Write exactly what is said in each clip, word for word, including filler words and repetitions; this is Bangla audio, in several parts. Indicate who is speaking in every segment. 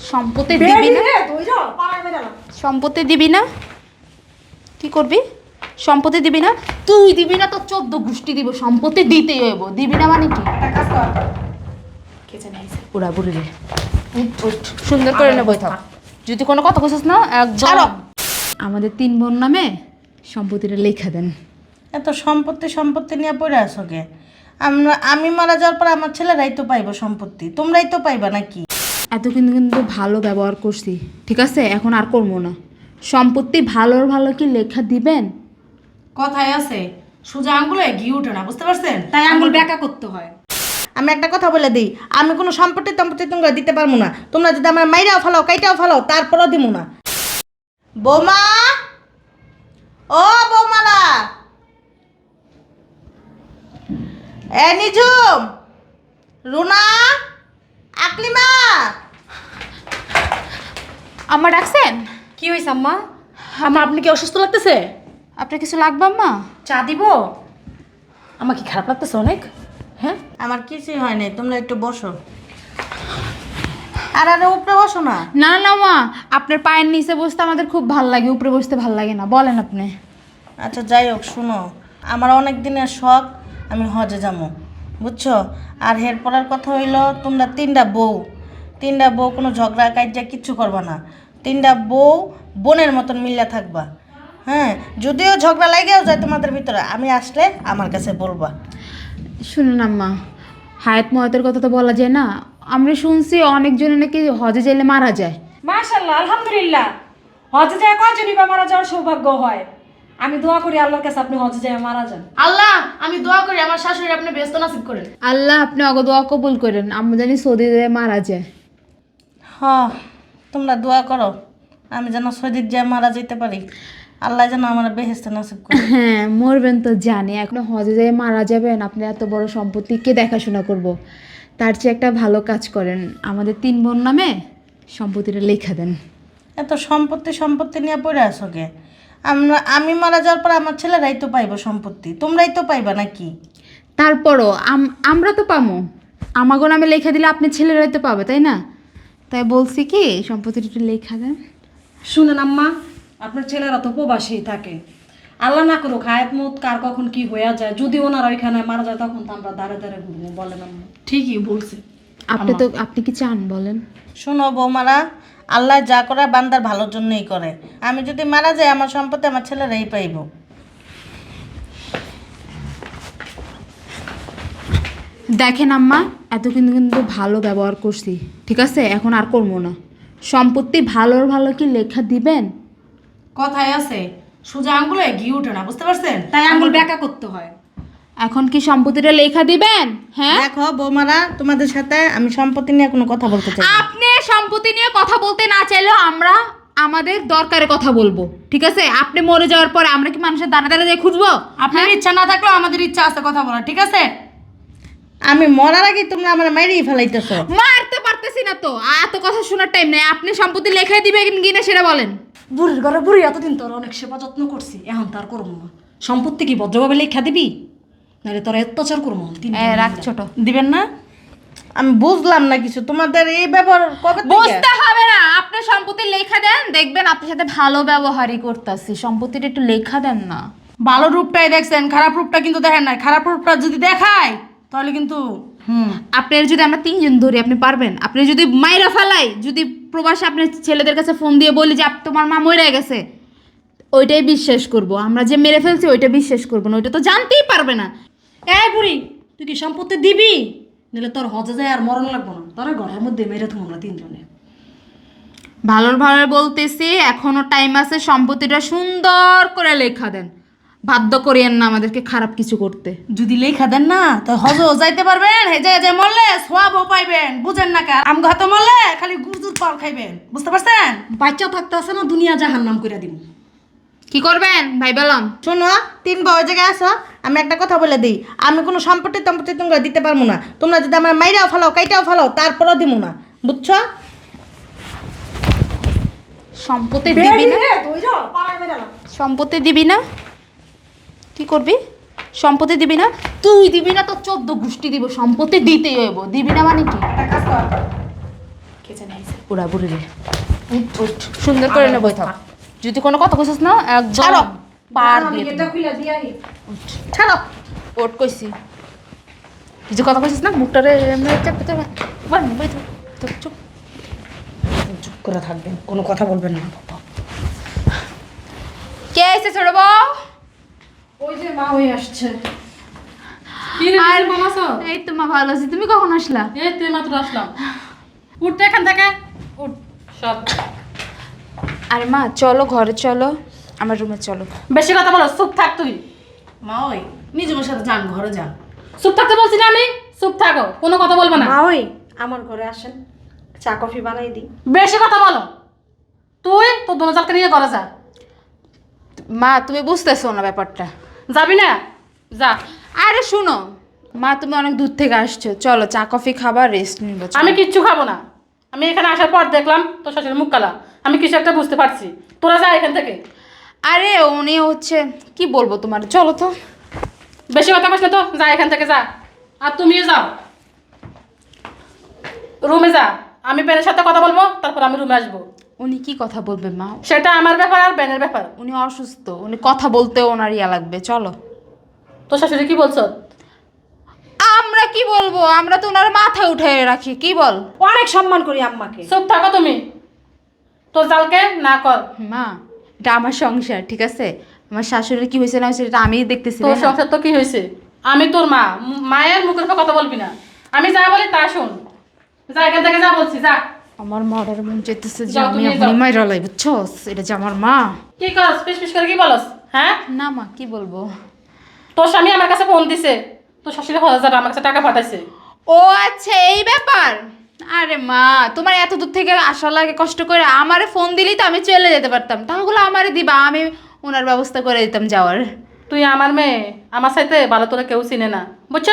Speaker 1: সম্পত্তি দিবি না? সম্পত্তি দিবি না? কি করবি? সম্পত্তি দিবি না? তুই দিবি না তো চোদ্দ গোষ্ঠী দিব, সম্পত্তি দিতেই হইব। দিবি না মানে কি? পুরা বুড়ি রে, সুন্দর করে না বই থাক। যদি কোনো কথা বলছিস না একদম। আমাদের তিন বোন নামে সম্পত্তিটা লেখা দেন।
Speaker 2: এত সম্পত্তি সম্পত্তি নিয়ে পড়ে আসো কে? আমরা আমি মারা যাওয়ার পর আমার ছেলেরাই তো পাইবো সম্পত্তি, তোমরাই তো পাইবা নাকি?
Speaker 1: এত কিন্তু কিন্তু ভালো ব্যবহার করছি, ঠিক আছে? এখন আর করবো না। সম্পত্তি ভালোর ভালো কি লেখা দিবেন?
Speaker 3: কথায় আছে সোজা আঙ্গুলে ঘি ওঠে না, বুঝতে পারছেন? তাই আঙ্গুল ব্যাকা করতে হয়।
Speaker 2: আমি একটা কথা বলে দিই, আমি কোনো সম্পত্তি টম্পত্তি তোমরা দিতে পারবো না। তোমরা যদি আমার মাইরাও ফেলাও কাইটাও ফেলাও তারপরও দিব না। বৌমা, ও বৌমারা, এ নিজুম, রুনা, আকলিমা।
Speaker 1: আম্মা ডাকছেন?
Speaker 3: কি হয়েছে আম্মা? আম্মা আপনি কি অসুস্থ লাগতেছে?
Speaker 1: আপনার কিছু লাগবে আম্মা?
Speaker 3: চা দিব? আমার কি খারাপ লাগতেছে অনেক? হ্যাঁ,
Speaker 2: আমার কিছুই হয় নাই, তোমরা একটু বসো। আর আরে উপরে বসো না।
Speaker 1: না না মা, আপনার পায়ের নিচে বসতে আমাদের খুব ভাল লাগে, উপরে বসতে ভাল লাগে না। বলেন আপনি।
Speaker 2: আচ্ছা যাই হোক, শুনো, আমার অনেক দিনের শখ আমি হজে যাবো, বুঝছো? আর হের পড়ার কথা হইলো, তোমরা তিনটা বউ, তিনটা বউ কোনো ঝগড়া কাজা কিচ্ছু করবা না। তিনটা বউ বোনের মতন মিল্লা থাকবা। হ্যাঁ, যদিও ঝগড়া লাগেও যায় তোমাদের ভিতরে, আমি আসলে আমার কাছে বলবা।
Speaker 1: শুনুন আম্মা, হায়াত মহাতের কথা তো বলা যায় না। আমরা শুনছি অনেকজনে নাকি হজে যাইলে মারা যায়।
Speaker 3: মাশাআল্লাহ, আলহামদুলিল্লাহ। হজে যায় কয়জনই বা মারা যাওয়ার সৌভাগ্য হয়? আমি দোয়া করি আল্লাহর কাছে আপনি হজে যায় মারা যান।
Speaker 4: আল্লাহ, আমি দোয়া করি আমার শাশুড়ি আপনি ব্যস্ত নসিব করেন।
Speaker 1: আল্লাহ আপনি অগ দোয়া কবুল করেন, আমরা জানি সৌদি যায় মারা যায়।
Speaker 2: হ, তোমরা দোয়া করো আমি যেন সজিদ যায় মারা যেতে পারি, আল্লাহ যেন আমার বেহেস্তে নসিব করে।
Speaker 1: হ্যাঁ, মরবেন তো জানি, এখন হজে যায় মারা যাবেন, আপনি এত বড় সম্পত্তি কে দেখাশোনা করব? তার চেয়ে একটা ভালো কাজ করেন, আমাদের তিন বোন নামে সম্পত্তিটা লেখা দেন।
Speaker 2: এত সম্পত্তি সম্পত্তি নিয়ে পড়ে আসো কে? আমরা আমি মারা যাওয়ার পর আমার ছেলেরাই তো পাইবো সম্পত্তি, তোমরাই তো পাইবা নাকি?
Speaker 1: তারপরও আম- আমরা তো পামো, আমাগো নামে লেখা দিলে আপনি ছেলেরাই তো পাবে, তাই না? তাই বলছি কি সম্পত্তিটা একটু লেখা দেন।
Speaker 3: শুনেন আম্মা, আপনার ছেলেরা তো প্রবাসী থাকে। আল্লাহ না করুক হায়াত মত কার কখন কি হয়ে যায়, যদি ওনারা ওইখানে মারা যায় তখন তো আমরা দাঁড়ে দাঁড়ে ঘুরবো। বলেন আম্মা?
Speaker 4: ঠিকই বলছে।
Speaker 1: আপনি তো আপনি কি চান বলেন?
Speaker 2: শোনো বৌমারা, আল্লাহ যা করে বান্দার ভালোর জন্যই করে। আমি যদি মারা যাই আমার সম্পত্তি আমার ছেলেরাই পাইবো।
Speaker 1: দেখেন আম্মা, এত কিন্তু কিন্তু ভালো ব্যবহার করছি, ঠিক আছে? এখন আর করবো না। সম্পত্তি ভালোর ভালো কি লেখা দিবেন?
Speaker 3: কথায় আছে সোজা আঙ্গুলে ঘি ওঠে না, বুঝতে পারছেন? তাই আঙ্গুল ব্যাকা করতে হয়।
Speaker 1: এখন কি সম্পত্তিটা লেখা দিবেন? হ্যাঁ,
Speaker 2: দেখো বৌমারা, তোমাদের সাথে আমি সম্পত্তি নিয়ে কোনো কথা বলতে চাই না।
Speaker 1: আপনি সম্পত্তি নিয়ে কথা বলতে না চাইলেও আমরা আমাদের দরকারে কথা বলবো, ঠিক আছে? আপনি মরে যাওয়ার পরে আমরা কি মানুষের দাঁড়া দাঁড়া দিয়ে খুঁজবো?
Speaker 3: আপনার ইচ্ছা না থাকলেও আমাদের ইচ্ছা আছে কথা বলার, ঠিক আছে?
Speaker 2: আমি মরার আগে তোমরা আমার মাইরেই ফেলাইতেছো।
Speaker 1: মারতে পারতেছি না তো, এত কথা শোনার টাইম নেই। আপনি সম্পত্তি লেখাই দিবেন কিনা সেটা বলেন।
Speaker 3: বুড়ির ঘরে বুড়ি এতদিন তোর অনেক সেবা যত্ন করছি, এখন তার করবো না। সম্পত্তি কি ভদ্রভাবে লেখা দিবি, নাহলে তোর অত্যাচার করবো।
Speaker 1: এ, রাখ ছোট।
Speaker 2: দিবেন না? আমি বুঝলাম না কিছু, তোমাদের এই ব্যবহার কবে থেকে?
Speaker 1: বুঝতে হবে না, আপনি সম্পত্তি লেখা দেন, দেখবেন আপনার সাথে ভালো ব্যবহারই করতেছি। সম্পত্তিটা একটু লেখা দেন না।
Speaker 3: ভালো রূপটাই দেখছেন, খারাপ রূপটা কিন্তু দেখেন নাই। খারাপ রূপটা যদি দেখায় তাহলে কিন্তু হুম
Speaker 1: আপনার যদি আমরা তিনজন ধরি আপনি পারবেন? আপনি যদি মাইরা ফেলাই, যদি প্রবাসে আপনার ছেলেদের কাছে ফোন দিয়ে বলি যে আপ- তোমার মা মরে গেছে, ওইটাই বিশ্বাস করব। আমরা যে মেরে ফেলছি ওইটা বিশ্বাস করবো না, ওইটা তো জানতেই পারবে না।
Speaker 3: এই বুড়ি, তুই কি সম্পত্তি দিবি, নাহলে তোর হজে যায় আর মরণ লাগবো না। তোর ঘরের মধ্যে মেরে থাকবো আমরা তিনজনে।
Speaker 1: ভালোর ভালো বলতেছি, এখনো টাইম আছে, সম্পত্তিটা সুন্দর করে লেখা দেন। বাধ্য করিয়েন না আমাদেরকে খারাপ কিছু করতে।
Speaker 3: যদি লেখা দেন না তো হজও যাইতে পারবেন, হে যায় যায় মরলে সোয়াবও পাইবেন। বুঝেন না কার আম ঘাতে মরলে খালি গুরজুর পাল খাইবেন, বুঝতে পারছেন? বাচ্চা থাকতে আছে না, দুনিয়া জাহান্নাম করে দিব।
Speaker 1: কি করবেন ভাই বললাম?
Speaker 2: শোনো, তিন বউ জায়গায় আসো, আমি একটা কথা বলে দিই, আমি কোনো সম্পত্তি টম্পত্তি তোমরা দিতে পারবো না। তোমরা যদি আমার মাইরাও ফেলাও কাইটাও ফেলাও তারপরও দিব না, বুঝছো?
Speaker 1: সম্পত্তি দিবি না? সম্পত্তি দিবি না? কি করবি? সম্পত্তি দিবি না? তুই দিবি না তো চোদ্দ গোষ্ঠী দিব, সম্পত্তি দিতেই হইব। দিবি না মানে কি?
Speaker 4: কে জানে আইছে?
Speaker 1: ওরা বুড়ি রে উঠ উঠ সুন্দর করে নেবই থাক যদি কোনো কথা কইছিস না একদম
Speaker 2: ছাড়ো।
Speaker 1: পার
Speaker 3: আমি
Speaker 1: দিয়ে
Speaker 3: এটা
Speaker 1: দেব।
Speaker 3: খুলে দিয়াই
Speaker 2: ছাড়ো।
Speaker 1: ওট কইছি কিছু কথা কইছিস না মুখটারে এমনি চাপতে তো বান বই থাক চুপ চুপ
Speaker 3: চুপ করে থাকবেন, কোনো কথা বলবেন না।
Speaker 1: কে আইছে ছোট বউ
Speaker 3: ওই যে মা ওই আসছে।
Speaker 4: কি রে
Speaker 1: আর
Speaker 4: ভালো আছো?
Speaker 1: এই তো মা ভালো আছি তুমি কখন আসলা
Speaker 4: এই তুই মাত্র আসলাম। উঠতে এখান থেকে উঠ সব।
Speaker 1: আরে মা চলো ঘরে চলো আমার রুমে চলো
Speaker 4: বেশি কথা বলো, চুপ থাক তুই।
Speaker 3: মা ওই নিজের সাথে যান, ঘরে যান।
Speaker 4: চুপ থাকতে বলছি না আমি, চুপ থাকো, কোনো কথা বলবে না।
Speaker 3: মা ওই আমার ঘরে আসেন, চা কফি বানাই দিই।
Speaker 4: বেশি কথা বলো, তুই তোর দোনোজালকে নিয়ে ঘরে যা।
Speaker 1: মা তুমি বুঝতেছো না ব্যাপারটা
Speaker 4: যাবি না? যা।
Speaker 1: আরে শুনো মা তুমি অনেক দূর থেকে আসছো চলো চা কফি খাবার রেস্ট নিবো চলো।
Speaker 4: আমি কিচ্ছু খাবো না। আমি এখানে আসার পর দেখলাম তোর শাশুড়ির মুখ কালা, আমি কিছু একটা বুঝতে পারছি। তোরা যা এখান থেকে।
Speaker 1: আরে উনি হচ্ছে কি বলবো তোমার চলো তো
Speaker 4: বেশি কথা কইস না তো, যা এখান থেকে যা। আর তুমিও যাও, রুমে যা। আমি বেনের সাথে কথা বলবো, তারপর আমি রুমে আসবো।
Speaker 1: উনি কি কথা বলবে মা
Speaker 4: সেটা আমার ব্যাপার আর বেনের ব্যাপার।
Speaker 1: উনি অসুস্থ উনি কথা বলতে ওনার ইয়া লাগবে চলো
Speaker 4: তোর শাশুড়ি কি বলছো?
Speaker 1: আমরা কি বলবো আমরা তো ওনার মাথায় উঠে রাখি কি বল
Speaker 3: অনেক সম্মান করি আম্মাকে।
Speaker 4: চুপ থাকো তুমি, তোর জালকে না কর।
Speaker 1: মা এটা আমার সংসার ঠিক আছে আমার শাশুড়ির কি হয়েছে না হয়েছে এটা আমিই দেখতেছি
Speaker 4: তোর
Speaker 1: তাই না?
Speaker 4: সংসার তো কি হয়েছে? আমি তোর মা, ম- মায়ের মুখের উপর কথা বলবি না। আমি যা বলি তা শোন। যা এখান থেকে, যা বলছি যা।
Speaker 1: আমার মায়ের মন চাইতেছে যে
Speaker 4: যাও,
Speaker 1: আমি
Speaker 4: তুমি
Speaker 1: এখনই
Speaker 4: যাও।
Speaker 1: মাইরা লাই বুঝছস এটা যে আমার মা
Speaker 4: কি করস? পিস পিস করে কি বলস? হ্যাঁ,
Speaker 1: না মা কি বলবো
Speaker 4: তোর স্বামী আমার কাছে ফোন দিছে, তোর শাশুড়ি হাজার আমার কাছে টাকা পাঠাইছে।
Speaker 1: ও আচ্ছা এই ব্যাপার আরে মা তোমার এত দূর থেকে আসা লাগে কষ্ট করে আমারে ফোন দিলেই তো আমি চলে যেতে পারতাম টাকাগুলো আমারে দিবা আমি ওনার ব্যবস্থা করে দিতাম যাওয়ার
Speaker 4: তুই আমার মেয়ে, আমার সাথে ভালো তোরা কেউ চিনে না, বুঝছ?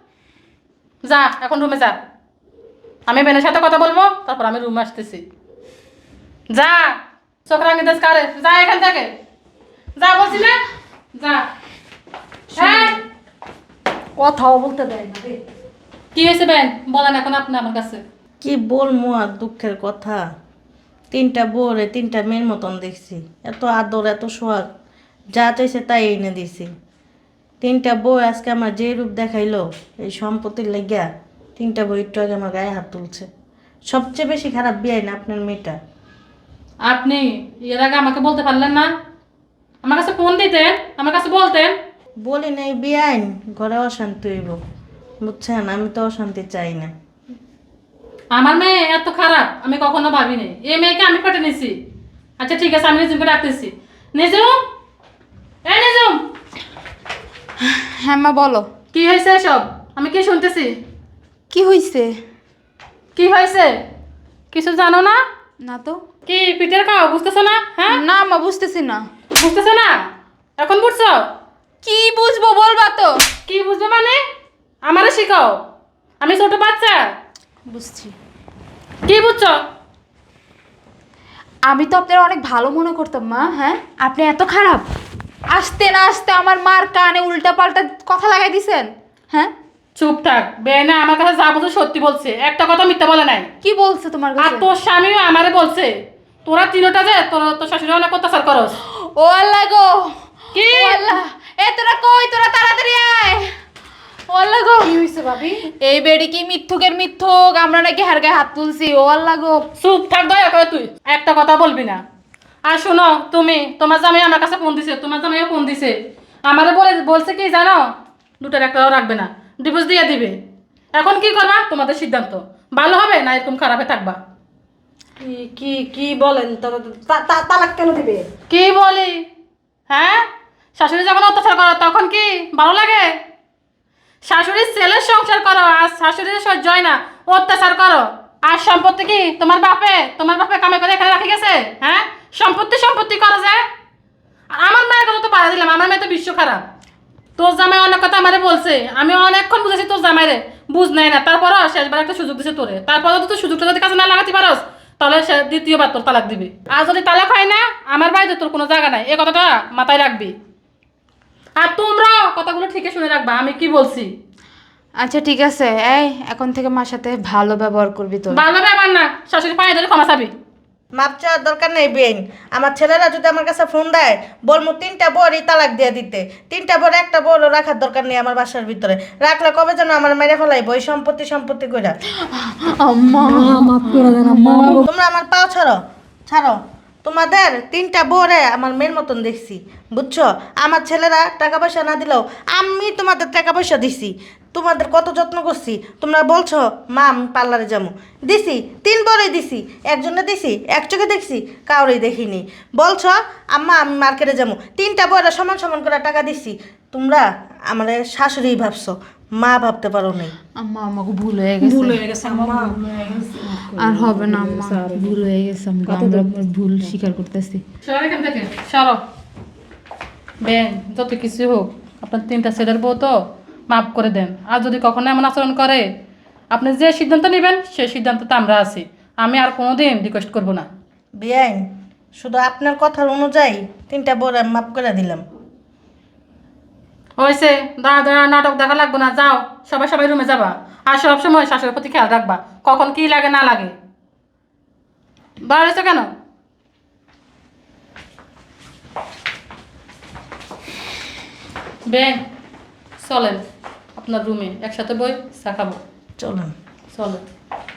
Speaker 4: যা এখন রুমে যা। আমি বেনের সাথে কথা বলবো, তারপর আমি রুমে আসতেছি। যা, চোখ রাঙি দেশ কারে, যা এখান থেকে, যা বলছি না, যা। হ্যাঁ,
Speaker 3: কথাও বলতে দেয় না রে।
Speaker 4: কি হয়েছে বেন? বলেন এখন আপনি আমার কাছে।
Speaker 2: কি বলবো আর দুঃখের কথা। তিনটা বউরে তিনটা মেয়ের মতন দেখছি, এত আদর এত সোহাগ, যা চাইছে তাই এনে দিছি। তিনটা বউ আজকে আমার যে রূপ দেখাইলো এই সম্পত্তির লেগিয়া, তিনটা বউ একটু আগে আমার গায়ে হাত তুলছে। সবচেয়ে বেশি খারাপ বিয়াই না আপনার মেয়েটা।
Speaker 4: আপনি এর আগে আমাকে বলতে পারলেন না? আমার কাছে ফোন দিতেন, আমার কাছে বলতেন।
Speaker 2: বলি নাই বিয়াইন ঘরে অশান্তি হইব, বুঝছেন? আমি তো অশান্তি চাই না।
Speaker 4: আমার মেয়ে এত খারাপ আমি কখনো ভাবিনি। এই মেয়েকে আমি পেটে নিছি। আচ্ছা ঠিক আছে, আমি নিজুমকে ডাকতেছি। নিজুম, এ নিজুম,
Speaker 1: হ্যাঁ মা বলো
Speaker 4: কি হয়েছে সব? আমি কি শুনতেছি?
Speaker 1: কি হয়েছে
Speaker 4: কি হয়েছে? কিছু জানো না?
Speaker 1: না তো
Speaker 4: কি পিঠের খাও, বুঝতেছো না? হ্যাঁ,
Speaker 1: না মা বুঝতেছি না
Speaker 4: বুঝতেছো না? এখন বুঝছো?
Speaker 1: কি বুঝবো বলবা তো
Speaker 4: কি বুঝবে মানে? আমারে শিখাও, আমি ছোট বাচ্চা।
Speaker 1: বুঝছি
Speaker 4: কি বুঝছো?
Speaker 1: আমি তো আপনার অনেক ভালো মনে করতাম মা হ্যাঁ আপনি এত খারাপ আসতে না আসতে আমার মার কানে উল্টা পাল্টা কথা লাগাই দিছেন হ্যাঁ
Speaker 4: চুপ থাক। বেনা আমার কাছে যা বলছে সত্যি বলছে, একটা কথা মিথ্যা বলে নাই।
Speaker 1: কি বলছে তোমার
Speaker 4: আর
Speaker 1: কাছে
Speaker 4: তোর স্বামীও আমারে বলছে তোরা তিনটা যে তোর তোর শাশুড়ি অনেক অত্যাচার করস।
Speaker 1: ও আল্লাহ গো
Speaker 4: কি?
Speaker 1: ও আল্লাহ এ তোরা কই তোরা তাড়াতাড়ি আয় ও আল্লাহ গো
Speaker 3: কি হয়েছে ভাবি?
Speaker 1: এই বেড়ি কি মিথ্যুকের মিথ্যুক আমরা নাকি হার গায়ে হাত তুলছি ও আল্লাহ গো
Speaker 4: চুপ থাক দয়া করে, তুই একটা কথা বলবি না। আর শোনো, তুমি তোমার জামাই আমার কাছে ফোন দিছে, তোমার জামাইও ফোন দিছে, আমারে বলে বলছে কি জানো, দুটার একটাও রাখবে না, ডিভোর্স দিয়ে দিবে। এখন কি করবা তোমাদের সিদ্ধান্ত, ভালো হবে না এরকম খারাপে থাকবা।
Speaker 3: কি কি কি বলেন? তারা তা- তা- তালাক কেন দিবে?
Speaker 4: কি বলি? হ্যাঁ, শাশুড়ি যখন অত্যাচার করো তখন কি ভালো লাগে? শাশুড়ির ছেলের সংসার করো আর শাশুড়ির সহ্য হয় না অত্যাচার করো। আর সম্পত্তি কি তোমার বাপে তোমার বাপে কামে করে এখানে রাখে গেছে? হ্যাঁ, সম্পত্তি সম্পত্তি করো যায়। আর আমার মায়ের কথা তো পাড়া দিলাম, আমার মেয়ে তো বিশ্ব খারাপ। তোর জামাই অনেক কথা আমারে বলছে, আমি অনেকক্ষণ বুঝেছি তোর জামাইরে, বুঝ নাই না। তারপরও শেষবার একটা সুযোগ দিছে তোরে, তারপরেও তো তুই সুযোগটা যদি কাজে না লাগাতে পারস তাহলে সে দ্বিতীয়বার তোর তালাক দিবি। আর যদি তালাক হয় না, আমার বাড়িতে তোর কোনো জায়গা নাই, এই কথাটা মাথায় রাখবি। আর তোমরাও কথাগুলো ঠিকই শুনে রাখবা আমি কি বলছি।
Speaker 1: আচ্ছা ঠিক আছে, এই এখন থেকে মার সাথে ভালো ব্যবহার করবি তো।
Speaker 4: ভালো ব্যাপার না, শাশুড়ি পায়ে ধরে ক্ষমা চাবি।
Speaker 2: মাপ চাওয়ার দরকার নেই বেন। আমার ছেলেরা যদি আমার কাছে ফোন দেয় বলবো তিনটা বড়ই তালাক দিয়ে দিতে। তিনটা বড় একটা বড় রাখার দরকার নেই আমার বাসার ভিতরে। রাখলে কবে যেন আমার মেরে ফেলাইবো ওই সম্পত্তি সম্পত্তি কইরা।
Speaker 1: আম্মা
Speaker 3: মাফ করে দেন আম্মা।
Speaker 2: তোমরা আমার পাও ছাড়ো, ছাড়ো। তোমাদের তিনটা বউরে আমার মেয়ের মতন দেখছি, বুঝছো? আমার ছেলেরা টাকা পয়সা না দিলেও আমি তোমাদের টাকা পয়সা দিছি, তোমাদের কত যত্ন করছি। তোমরা বলছো মা আমি পার্লারে যাবো, দিছি তিন বড়ই দিছি, একজনে দিছি এক চোখে দেখছি, কাউরেই দেখিনি। বলছো আম্মা আমি মার্কেটে যাবো, তিনটা বউরা সমান সমান করে টাকা দিছি। তোমরা আমার শাশুড়ি ভাবছো, মা ভাবতে পারো নাই।
Speaker 1: আম্মা আমাকে ভুল হয়ে গেছে,
Speaker 3: ভুল হয়ে গেছে আম্মা।
Speaker 1: আর হবে না আম্মা, ভুল হয়ে গেছে। আমরা আমরা ভুল স্বীকার করতেছি।
Speaker 4: সরো এখান থেকে, সরো। বেন, যত কিছু হোক আপনার তিনটা ছেলের বউ তো, মাফ করে দেন। আর যদি কখনো এমন আচরণ করে, আপনি যে সিদ্ধান্ত নেবেন সেই সিদ্ধান্ততে আমরা আছি। আমি আর কোনোদিন রিকোয়েস্ট করব না।
Speaker 2: বেআইন, শুধু আপনার কথার অনুযায়ী তিনটা বউরে আমি মাফ করে দিলাম।
Speaker 4: হয়েছে, দাঁড়া দাঁড়া নাটক দেখা লাগবে না, যাও সবাই সবাই রুমে যাবা। আর সব সময় শাশুড়ির প্রতি খেয়াল রাখবা, কখন কি লাগে না লাগে। দাঁড়াইছো কেন? বেন, চলেন আপনার রুমে একসাথে বই চা খাবো।
Speaker 2: চলুন।
Speaker 4: চলেন।